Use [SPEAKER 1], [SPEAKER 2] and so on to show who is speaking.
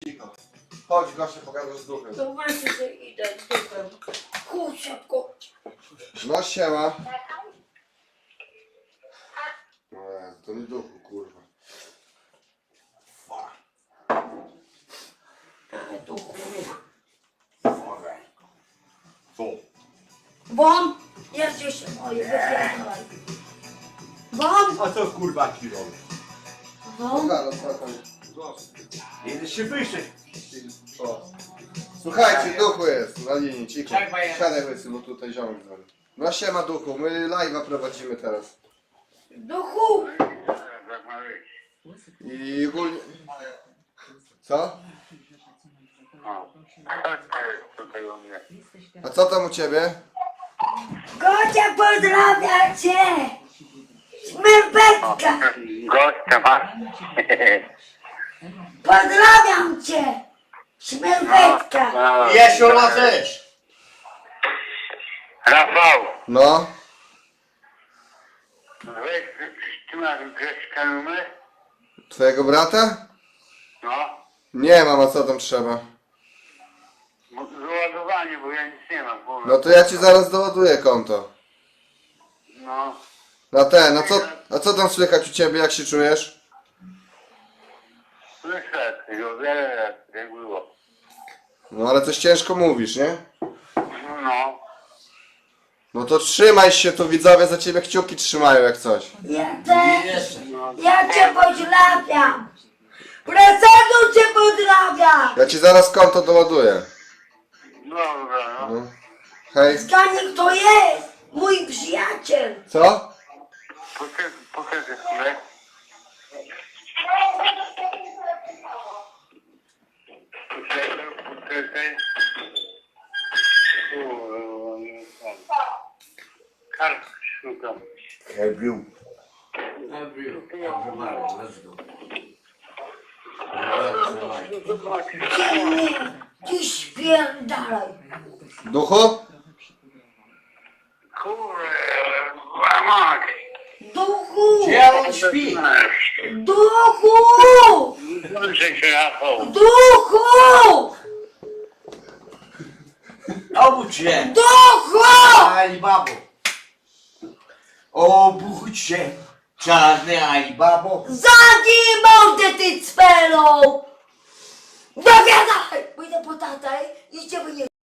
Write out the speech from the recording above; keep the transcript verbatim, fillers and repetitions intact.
[SPEAKER 1] Cicho. Chodź, goście, pogadasz z duchem.
[SPEAKER 2] To właśnie, że idę z duchem. Chodź szybko.
[SPEAKER 1] No siema. No Jezu, to nie duchu, kurwa.
[SPEAKER 2] Ale duchu.
[SPEAKER 1] Co?
[SPEAKER 2] Bom! Jeździ się moje, wypierdolaj. Bom!
[SPEAKER 3] A co kurwa ci robi?
[SPEAKER 2] Bom!
[SPEAKER 1] Halo, co tam?
[SPEAKER 3] Jedziesz się wyżej.
[SPEAKER 1] O. Słuchajcie, duchu jest na linii, cicho. Siadaj łysy, bo tutaj ziomek dzwoni. No siema duchu, my live'a prowadzimy teraz.
[SPEAKER 2] Duchu!
[SPEAKER 1] I ogólnie... Co? A co tam u ciebie?
[SPEAKER 2] Gocia pozdrawia cię! Śmierbetka!
[SPEAKER 4] Gościa masz?
[SPEAKER 2] Pozdrawiam cię! Śmierbetka!
[SPEAKER 3] Jesiona też.
[SPEAKER 4] Rafał,
[SPEAKER 1] No?
[SPEAKER 4] weź, ty masz Grześka numer?
[SPEAKER 1] Twojego brata?
[SPEAKER 4] No,
[SPEAKER 1] Nie mam, a co tam trzeba?
[SPEAKER 4] bo załadowanie, bo ja nic nie mam. Bo...
[SPEAKER 1] No to ja ci zaraz doładuję konto.
[SPEAKER 4] No,
[SPEAKER 1] Na ten, a co, a co tam słychać u ciebie, jak się czujesz?
[SPEAKER 4] słyszę, o wiele lat, jak było.
[SPEAKER 1] No ale coś ciężko mówisz, nie?
[SPEAKER 4] No,
[SPEAKER 1] No to trzymaj się, tu widzowie za ciebie kciuki trzymają jak coś.
[SPEAKER 2] Ja też!
[SPEAKER 4] no.
[SPEAKER 2] Ja cię pozdrawiam! Prezentu cię pozdrawiam!
[SPEAKER 1] Ja ci zaraz konto doładuję.
[SPEAKER 4] Dobra, no.
[SPEAKER 1] No. Hej.
[SPEAKER 2] Zgadnij kto jest! Mój przyjaciel!
[SPEAKER 1] Co?
[SPEAKER 4] Poczekaj, poczekaj chwilę. Poczekaj, poczekaj. Kurwa, nie wiem. Kartkę szukam.
[SPEAKER 3] Every. Every. Let's go.
[SPEAKER 2] Ciemnie! Dziś spierdalaj!
[SPEAKER 1] Duchu?
[SPEAKER 4] Kurwa, mać.
[SPEAKER 2] Duchu!
[SPEAKER 3] Gdzie on śpi?
[SPEAKER 2] Duchu!
[SPEAKER 4] Włączę się, Rafał.
[SPEAKER 2] Duchu!
[SPEAKER 3] Obudź się.
[SPEAKER 2] Duchu!
[SPEAKER 3] Alibabo. Obudź się. Czarny Alibabo.
[SPEAKER 2] Zamknij mordę ty cwelą! Dowiadaj! Pójdę po tatę i cię wyje...